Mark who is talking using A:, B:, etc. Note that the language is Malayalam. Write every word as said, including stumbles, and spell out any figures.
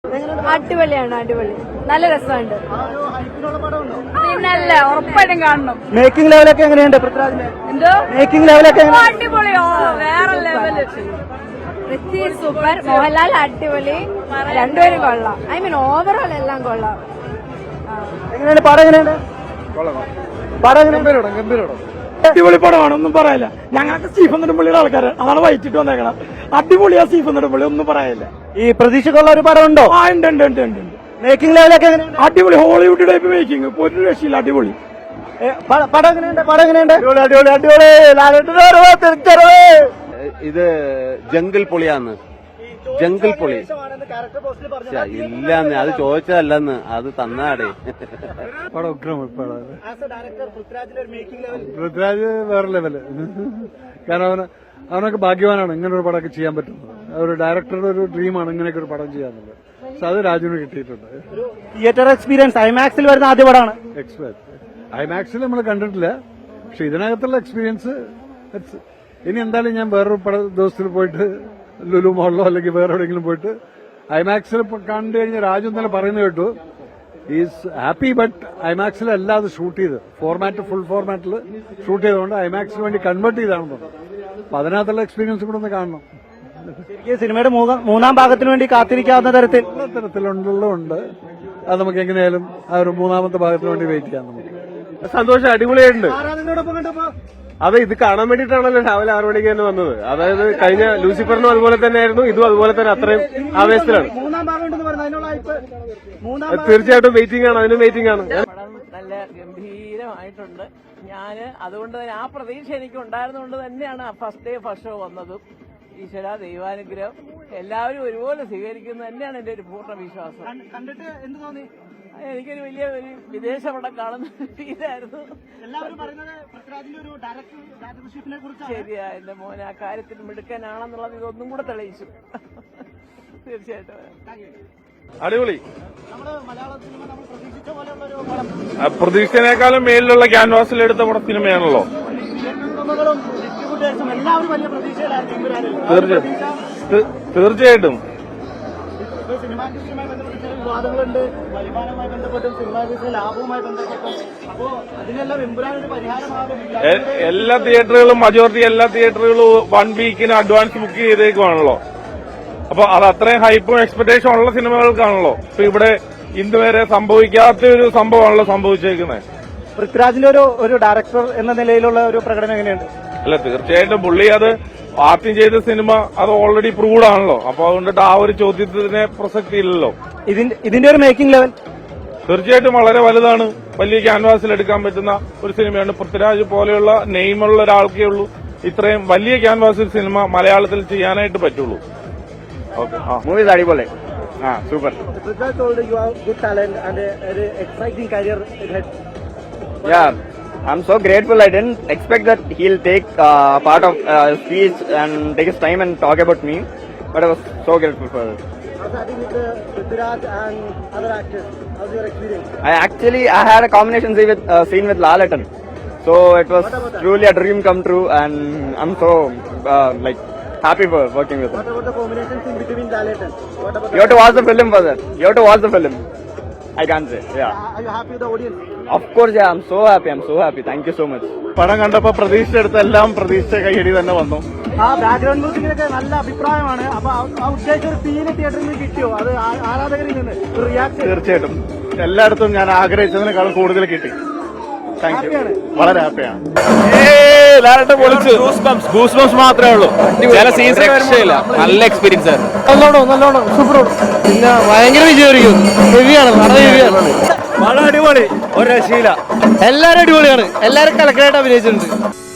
A: അടിപൊളിയാണ്, അടിപൊളി, നല്ല രസമുണ്ട്. പിന്നല്ല, ഉറപ്പായിട്ടും കാണണം.
B: മേക്കിംഗ് ലെവലൊക്കെ എങ്ങനെയുണ്ട്?
A: എന്തോ
B: മേക്കിംഗ് ലെവലൊക്കെ
A: അടിപൊളിയോ, വേറെ ലെവല്. പൃഥ്വി സൂപ്പർ, മോഹൻലാൽ അടിപൊളി, രണ്ടുപേരും കൊള്ളാം. ഐ മീൻ ഓവറോൾ എല്ലാം കൊള്ളാം.
B: എങ്ങനെയുണ്ട് പടം? എങ്ങനെയുണ്ട് പടം?
C: അടിപൊളി പടമാണ്, ഒന്നും പറയാനില്ല. ഞങ്ങൾക്ക് സ്റ്റീഫൻ നെടുമ്പള്ളിയുടെ ആൾക്കാരാണ്, അതാണ് വൈറ്റിട്ട് വന്നേക്കണം. അടിപൊളിയാ സ്റ്റീഫൻ നെടുമ്പള്ളി, ഒന്നും പറയാനില്ല.
B: ഈ പ്രതീക്ഷക്കുള്ള ഒരു പടം ഉണ്ടോ?
C: ആ ഉണ്ട് ഉണ്ട് ഉണ്ട് ഉണ്ട്.
B: മേക്കിംഗ് ലെവലൊക്കെ എങ്ങനെയുണ്ട്?
C: അടിപൊളി, ഹോളിവുഡ് ടൈപ്പ് മേക്കിംഗ്, ഒരു രക്ഷയില്ല, അടിപൊളി.
B: പടം എങ്ങനെയുണ്ട്? പടം എങ്ങനെയുണ്ട്?
C: അടിപൊളി അടിപൊളി.
D: ഇത് ജംഗിൾ പൊളിയാന്ന്, ജംഗിൾ പൊളി ഇല്ലാന്ന്, അത് ചോദിച്ചതല്ലെന്ന്, അത് തന്നാടേ.
C: പടം ഉഗ്രം. പൃഥ്വിരാജ് വേറെ ലെവല്. കാരണം അവന് അവനൊക്കെ ഭാഗ്യവാനാണ് ഇങ്ങനെ ഒരു പടമൊക്കെ ചെയ്യാൻ പറ്റുന്നത്. ഒരു ഡയറക്ടറുടെ ഒരു ഡ്രീമാണ് ഇങ്ങനെയൊക്കെ ഒരു പടം ചെയ്യാന്നുള്ളത്. പക്ഷെ അത് രാജുവിന് കിട്ടിയിട്ടുണ്ട്.
B: തിയേറ്റർ എക്സ്പീരിയൻസ് ഐമാക്സിൽ വരുന്ന ആദ്യ പടമാണ്.
C: എക്സ്പെക്ട് ഐമാക്സിൽ നമ്മൾ കണ്ടിട്ടില്ല, പക്ഷെ ഇതിനകത്തുള്ള എക്സ്പീരിയൻസ് ഇനി എന്തായാലും ഞാൻ വേറൊരു പട ദിവസത്തിൽ പോയിട്ട് ലുലു മോളിലോ അല്ലെങ്കിൽ വേറെ എവിടെയെങ്കിലും പോയിട്ട് ഐമാക്സിൽ കണ്ടു കഴിഞ്ഞാൽ രാജു ഇന്നലെ പറയുന്നത് കേട്ടു, ഈസ് ഹാപ്പി. ബട്ട് ഐമാക്സിൽ അല്ല അത് ഷൂട്ട് ചെയ്ത്, ഫോർമാറ്റ് ഫുൾ ഫോർമാറ്റിൽ ഷൂട്ട് ചെയ്തുകൊണ്ട് ഐമാക്സിന് വേണ്ടി കൺവേർട്ട് ചെയ്താണെന്ന് തോന്നുന്നു. അപ്പൊ അതിനകത്തുള്ള എക്സ്പീരിയൻസ് കൂടെ ഒന്ന് കാണണം.
B: ശരിക്കും സിനിമയുടെ മൂന്നാം ഭാഗത്തിന് വേണ്ടി കാത്തിരിക്കാവുന്ന തരത്തിൽ
C: തരത്തിലുണ്ടുള്ളതുണ്ട്. അത് നമുക്ക് എങ്ങനെയായാലും ആ ഒരു മൂന്നാമത്തെ ഭാഗത്തിന് വേണ്ടി വെയിറ്റ് ചെയ്യാം. നമുക്ക്
D: സന്തോഷം, അടിപൊളിയായിട്ടുണ്ട്. അതെ, ഇത് കാണാൻ വേണ്ടിയിട്ടാണല്ലോ രാവിലെ ആറു മണിക്ക് തന്നെ വന്നത്. അതായത് കഴിഞ്ഞ ലൂസിഫറിനും അതുപോലെ തന്നെയായിരുന്നു, ഇതും അതുപോലെ തന്നെ അത്രയും ആവേശത്തിലാണ്. തീർച്ചയായിട്ടും വെയിറ്റിംഗ് ആണ്, അതിനും വെയിറ്റിംഗ് ആണ്.
E: നല്ല ഗംഭീരമായിട്ടുണ്ട്. ഞാന് അതുകൊണ്ട് തന്നെ ആ പ്രതീക്ഷ എനിക്ക് ഉണ്ടായിരുന്നുകൊണ്ട് തന്നെയാണ് ഫസ്റ്റ് ഡേ ഫസ്റ്റ് ഷോ വന്നതും. ഈശ്വര ദൈവാനുഗ്രഹം, എല്ലാവരും ഒരുപോലെ സ്വീകരിക്കുന്നത് തന്നെയാണ് എന്റെ ഒരു പൂർണ്ണ വിശ്വാസം. എനിക്കൊരു വലിയ ഒരു വിദേശ പടം കാണുന്ന ഫീലായിരുന്നു. ശരിയാ, എന്റെ മോൻ ആ കാര്യത്തിൽ മിടുക്കനാണെന്നുള്ളത് ഇതൊന്നും കൂടെ തെളിയിച്ചു. തീർച്ചയായിട്ടും
D: അടിപൊളി.
F: പ്രതീക്ഷനേക്കാളും മേലിലുള്ള ക്യാൻവാസിൽ എടുത്ത പടം സിനിമയാണല്ലോ. തീർച്ചയായിട്ടും
B: വിവാദങ്ങളുണ്ട്, വരുമാനവുമായി ബന്ധപ്പെട്ടും സിനിമാ ലാഭവുമായി ബന്ധപ്പെട്ടും. അപ്പോ അതിനെല്ലാം എമ്പുരാനൊരു പരിഹാരമാകും.
F: എല്ലാ തിയേറ്ററുകളും, മജോറിറ്റി എല്ലാ തിയേറ്ററുകളും വൺ വീക്കിന് അഡ്വാൻസ് ബുക്ക് ചെയ്തേക്കുവാണല്ലോ. അപ്പൊ അത് അത്രയും ഹൈപ്പും എക്സ്പെക്ടേഷൻ ഉള്ള സിനിമകൾക്കാണല്ലോ. ഇപ്പൊ ഇവിടെ ഇന്നുവരെ സംഭവിക്കാത്ത ഒരു സംഭവമാണല്ലോ സംഭവിച്ചേക്കുന്നത്.
B: പൃഥ്വിരാജിന്റെ ഒരു ഒരു ഡയറക്ടർ എന്ന നിലയിലുള്ള ഒരു പ്രകടനം എങ്ങനെയുണ്ട്?
F: അല്ല, തീർച്ചയായിട്ടും പുള്ളി അത് ആദ്യം ചെയ്ത സിനിമ അത് ഓൾറെഡി പ്രൂവ്ഡ് ആണല്ലോ. അപ്പൊ അതുകൊണ്ടിട്ട് ആ ഒരു ചോദ്യത്തിന് പ്രസക്തി ഇല്ലല്ലോ.
B: ഇതിന്റെ ഇതിന്റെ ഒരു മേക്കിംഗ് ലെവൽ
F: തീർച്ചയായിട്ടും വളരെ വലുതാണ്. വലിയ ക്യാൻവാസിൽ എടുക്കാൻ പറ്റുന്ന ഒരു സിനിമയാണ്. പൃഥ്വിരാജ് പോലെയുള്ള നെയിമുള്ള ഒരാൾക്കേ ഉള്ളൂ ഇത്രയും വലിയ ക്യാൻവാസിൽ സിനിമ മലയാളത്തിൽ ചെയ്യാനായിട്ട് പറ്റുള്ളൂ. ഓക്കെ,
D: മൂവീസ് അടിപൊളി. ആ, super. Yeah, I'm so grateful. I didn't expect that he'll take uh, part of uh, speech and take his time and talk about me, but I was so grateful for it.
B: How's that with uh, Prithviraj and other actors? How's your experience?
D: I actually I had a combination scene with uh, scene with Lalaton, so it was truly a dream come true, and I'm so uh, like happy for working with him.
B: What about the combination scene between Lalaton? What about?
D: You have to watch the film for that. You have to watch the film. I can't say. Yeah.
B: Are you happy with the audience?
D: Of course, yeah. I'm so happy. I'm so happy. Thank you so much.
F: പടം കണ്ടപ്പോ പ്രതീക്ഷിച്ചെടുത്ത എല്ലാം പ്രതീക്ഷിച്ച കൈയടി തന്നെ വന്നു.
B: ആ ബാക്ക്ഗ്രൗണ്ട് മ്യൂസിക്കിനൊക്കെ നല്ല അഭിപ്രായമാണ്. അപ്പൊ ആ ഉദ്ദേശിച്ച ഒരു സീന് തിയേറ്ററിൽ നിന്ന് കിട്ടിയോ? അത് ആരാധകരിൽ നിന്ന് റിയാക്ഷൻ?
F: തീർച്ചയായിട്ടും എല്ലായിടത്തും ഞാൻ ആഗ്രഹിച്ചതിനേക്കാളും കൂടുതൽ കിട്ടി. താങ്ക് യു, വളരെ ഹാപ്പിയാണ്.
G: ഗൂസ്ബംസ് മാത്രമേ ഉള്ളൂ. ചില സീൻസ് രക്ഷയില്ല. നല്ല എക്സ്പീരിയൻസ് ആയിരുന്നു.
B: നല്ലോണം നല്ലോണം സൂപ്പർ. പിന്നെ ഭയങ്കര വിജയമായിരിക്കും. ഹെവിയാണ്, വളരെ ഹെവിയാണ്.
G: വളരെ അടിപൊളി, ഒരു രക്ഷയില്ല.
B: എല്ലാരും അടിപൊളിയാണ്. എല്ലാരും കലക്കലായിട്ട് അഭിനയിച്ചിട്ടുണ്ട്.